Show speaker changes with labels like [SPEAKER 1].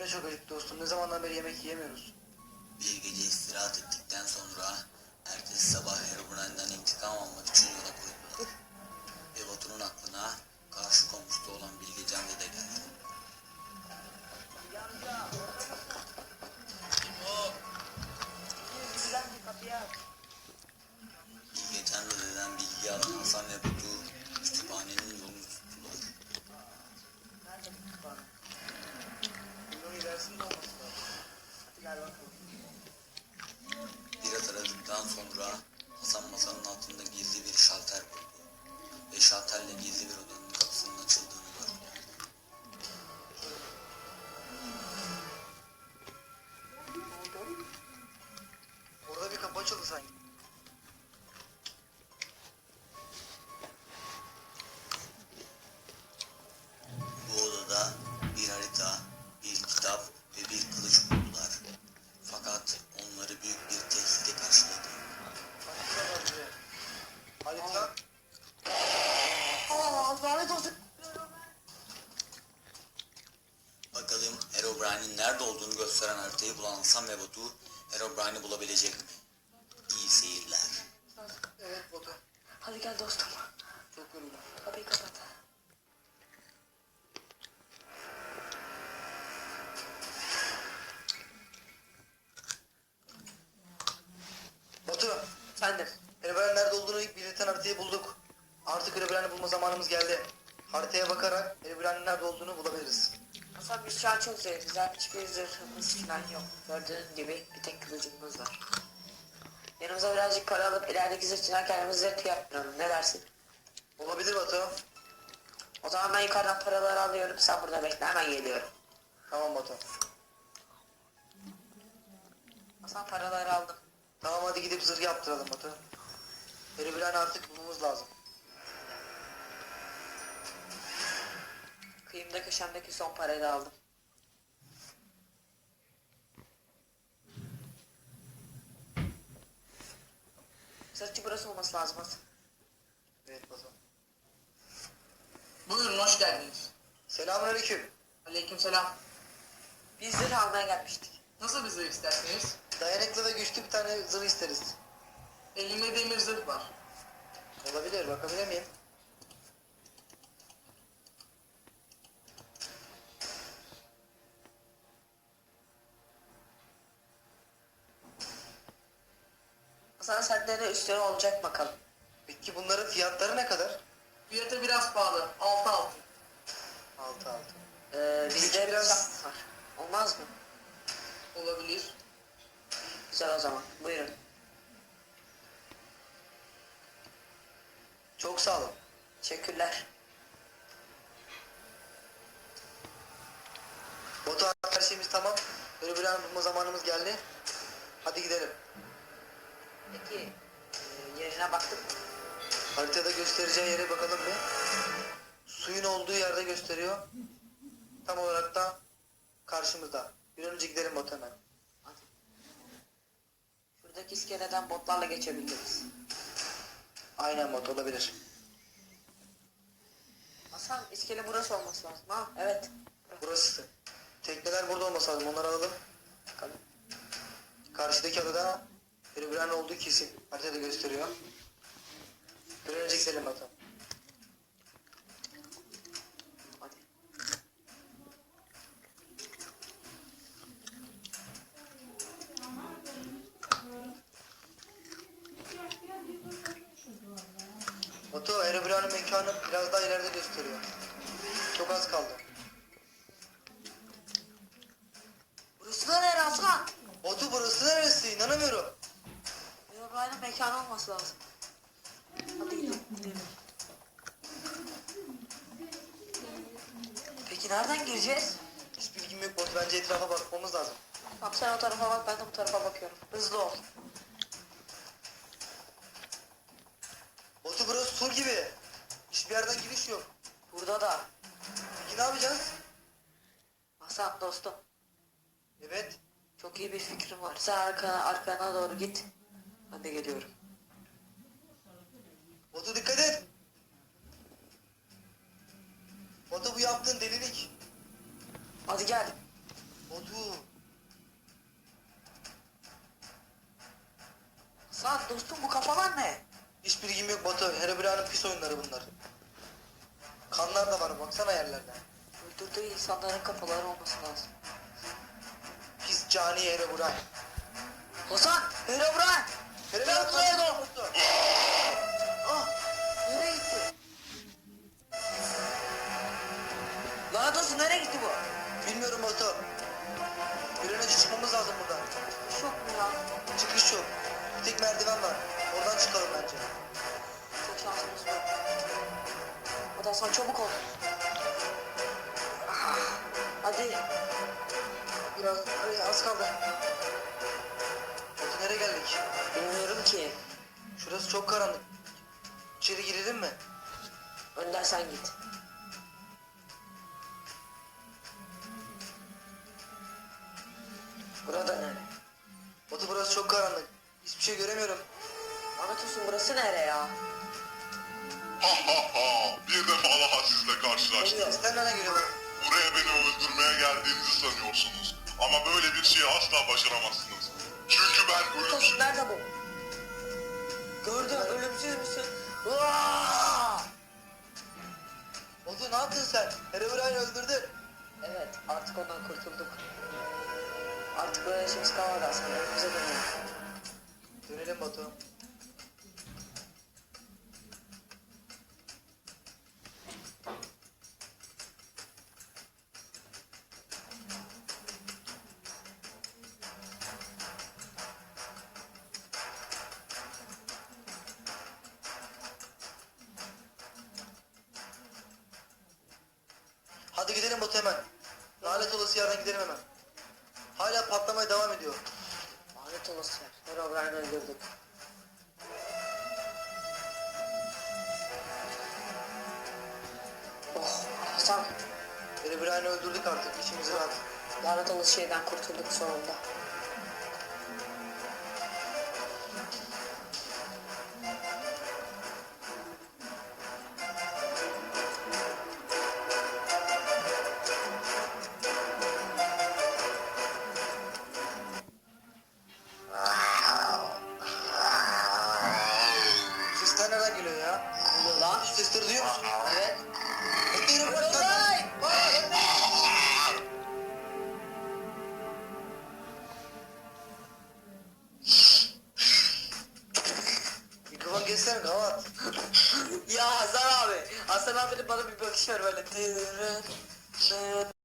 [SPEAKER 1] çok acıktı dostum. Ne zamandan beri yemek yiyemiyoruz.
[SPEAKER 2] Bir gece istirahat ettikten sonra ertesi sabah Herobrine'den intikam almak için yola koyuldular. Ve Batu'nun aklına karşı komşuda olan Bilgecan dede geldi. Bilgecan dededen bilgi alan Hasan ve Batu kütüphanenin yolunu tuttular.
[SPEAKER 1] Nerede bu kütüphane? Bunun ilerisinde olması lazım. Hadi gel bakalım.
[SPEAKER 2] Biraz aradıktan sonra Hasan masanın altında gizli bir şalter buldu. Ve şalterle gizli bir odanın kapısının açıldığını gördü.
[SPEAKER 1] Ne oldu? Orada bir kapı açıldı sanki.
[SPEAKER 2] Bu odada bir harita, bir kitap ve bir kılıç buldular. Fakat onları büyük bir tehlike karşıladı.
[SPEAKER 1] Harita var bize. Harita. Lanet olsun.
[SPEAKER 2] Bakalım Herobrine'in nerede olduğunu gösteren haritayı bulan Hasan ve Batu Herobrine'i bulabilecek mi? İyi seyirler.
[SPEAKER 1] Evet Batu.
[SPEAKER 3] Hadi gel dostum.
[SPEAKER 1] Çok yoruldum.
[SPEAKER 3] Kapıyı kapat.
[SPEAKER 1] Batu.
[SPEAKER 3] Efendim.
[SPEAKER 1] Herobrine nerede olduğunu belirten haritayı bulduk. Artık Herobrine'i bulma zamanımız geldi. Haritaya bakarak Herobrine'in nerede olduğunu bulabiliriz.
[SPEAKER 3] Hasan biz şu an çok zayıfız. Hiçbir zırhımız falan yok. Gördüğün gibi bir tek kılıcımız var. Yanımıza birazcık para alıp ilerideki zırhçıdan kendimize zırh yaptıralım. Ne dersin?
[SPEAKER 1] Olabilir Batu.
[SPEAKER 3] O zaman ben yukarıdan paraları alıyorum. Sen burada bekle. Hemen geliyorum.
[SPEAKER 1] Tamam Batu.
[SPEAKER 3] Hasan paraları aldım.
[SPEAKER 1] Tamam hadi gidip zırh yaptıralım Batu. Herobrine'i artık bulmamız lazım.
[SPEAKER 3] Kıyımda köşemdeki son parayı da aldım. Zırhçı burası olması lazım Hasan.
[SPEAKER 1] Evet Batu.
[SPEAKER 4] Buyurun, hoş geldiniz.
[SPEAKER 1] Selamünaleyküm.
[SPEAKER 4] Aleykümselam.
[SPEAKER 3] Biz zırh almaya gelmiştik.
[SPEAKER 4] Nasıl bir zırh isterseniz?
[SPEAKER 1] Dayanıklı ve güçlü bir tane zırh isteriz.
[SPEAKER 4] Elimde demir zırh var.
[SPEAKER 1] Olabilir, bakabilir miyim?
[SPEAKER 3] Hasan sende de üstüne olacak bakalım.
[SPEAKER 1] Peki bunların fiyatları ne kadar?
[SPEAKER 4] Fiyatı biraz pahalı. 6 altın.
[SPEAKER 1] 6.
[SPEAKER 3] Bizde
[SPEAKER 1] biraz-
[SPEAKER 3] biraz var. Olmaz mı?
[SPEAKER 4] Olabilir.
[SPEAKER 3] Güzel o zaman. Buyurun.
[SPEAKER 1] Çok sağ olun.
[SPEAKER 3] Teşekkürler.
[SPEAKER 1] Batu her şeyimiz tamam. Herobrine'i bulma zamanımız geldi. Hadi gidelim.
[SPEAKER 3] Peki yerine baktık mı?
[SPEAKER 1] Haritada göstereceği yere bakalım bir. Suyun olduğu yerde gösteriyor. Tam olarak da karşımızda. Bir an önce gidelim Batu hemen.
[SPEAKER 3] Hadi. Şuradaki iskeleden botlarla geçebiliriz.
[SPEAKER 1] Aynen Batu olabilir.
[SPEAKER 3] Hasan iskele burası olması lazım. Ha evet.
[SPEAKER 1] Burası. Tekneler burada olması lazım. Onları alalım.
[SPEAKER 3] Bakalım.
[SPEAKER 1] Karşıdaki adada Herobrine olduğu kesin. Haritada gösteriyor. Bir an önce gidelim Batu.
[SPEAKER 3] Hadi.
[SPEAKER 1] Batu Herobrine'in mekanı biraz daha ileride gösteriyor. Çok az kaldı.
[SPEAKER 3] Burası da nere Hasan?
[SPEAKER 1] Batu burası neresi? İnanamıyorum.
[SPEAKER 3] Herobrine'in mekanı olması lazım. Hadi gidelim. Gidelim. Peki nereden gireceğiz?
[SPEAKER 1] Hiç bilgim yok Batu. Bence etrafa bakmamız lazım.
[SPEAKER 3] Tamam sen o tarafa bak ben de bu tarafa bakıyorum. Hızlı ol.
[SPEAKER 1] Batu burası sur gibi. Hiçbir yerden giriş yok.
[SPEAKER 3] Burada da.
[SPEAKER 1] Peki ne yapacağız?
[SPEAKER 3] Hasan dostum.
[SPEAKER 1] Evet.
[SPEAKER 3] Çok iyi bir fikrim var. Sen arkana doğru git. Ben de geliyorum.
[SPEAKER 1] Batu dikkat et. Batu bu yaptığın delilik.
[SPEAKER 3] Hadi gel.
[SPEAKER 1] Batu.
[SPEAKER 3] Hasan dostum bu kafalar ne?
[SPEAKER 1] Hiç bilgim yok Batu. Herobrine'in pis oyunları bunlar. Kanlar da var baksana yerlerde.
[SPEAKER 3] Öldürdüğü insanların kafaları olması lazım.
[SPEAKER 1] Pis cani Herobrine.
[SPEAKER 3] Hasan! Herobrine!
[SPEAKER 1] Herobrine kanlar Batu.
[SPEAKER 3] Ah! Nereye gitti? Lanet olsun nereye gitti bu?
[SPEAKER 1] Bilmiyorum Batu. Bir an önce çıkmamız lazım buradan.
[SPEAKER 3] Şok mu ya?
[SPEAKER 1] Çıkış yok. Bir tek merdiven var. Oradan çıkalım bence.
[SPEAKER 3] Çok şansımız var. Hadi Hasan çabuk ol. Ah, hadi.
[SPEAKER 1] Biraz az kaldı. Batu nereye geldik?
[SPEAKER 3] Bilmiyorum ki.
[SPEAKER 1] Şurası çok karanlık. İçeri girelim mi?
[SPEAKER 3] Önden sen git. Burada nere?
[SPEAKER 1] Batu burası çok karanlık. Hiçbir şey göremiyorum.
[SPEAKER 3] Lanet olsun burası nere ya?
[SPEAKER 5] Ha ha ha! Bir defa daha sizle karşılaştım.
[SPEAKER 1] Sesler nereden geliyor bak?
[SPEAKER 5] Buraya beni öldürmeye geldiğinizi sanıyorsunuz. Ama böyle bir şeyi asla başaramazsınız. Çünkü ben
[SPEAKER 3] Lanet olsun
[SPEAKER 5] ölümsüzüm.
[SPEAKER 3] nerede bu? Gördüm ölümsüz müsün? Aa!
[SPEAKER 1] Batu ne yaptın sen? Herobrine'i öldürdün.
[SPEAKER 3] Evet artık ondan kurtulduk. Artık böyle işimiz kalmadı aslında. Önümüze dönelim.
[SPEAKER 1] Dönelim Batu. Hadi gidelim Batu hemen. Lanet olası yerden gidelim hemen. Hala patlamaya devam ediyor.
[SPEAKER 3] Lanet olası yer. Herobrine'i öldürdük. Oh Hasan.
[SPEAKER 1] Herobrine'i öldürdük artık. İçimiz rahat.
[SPEAKER 3] Lanet olası şeyden kurtulduk sonunda.
[SPEAKER 1] Sesler nereden geliyor ya?
[SPEAKER 3] Ne oluyor lan?
[SPEAKER 1] Sesleri duyuyor musun?
[SPEAKER 3] Evet.
[SPEAKER 1] Herobrine! Mikrofon geçsene kavat.
[SPEAKER 3] Ya Hasan abi. Hasan abinin bana bir bakış ver böyle.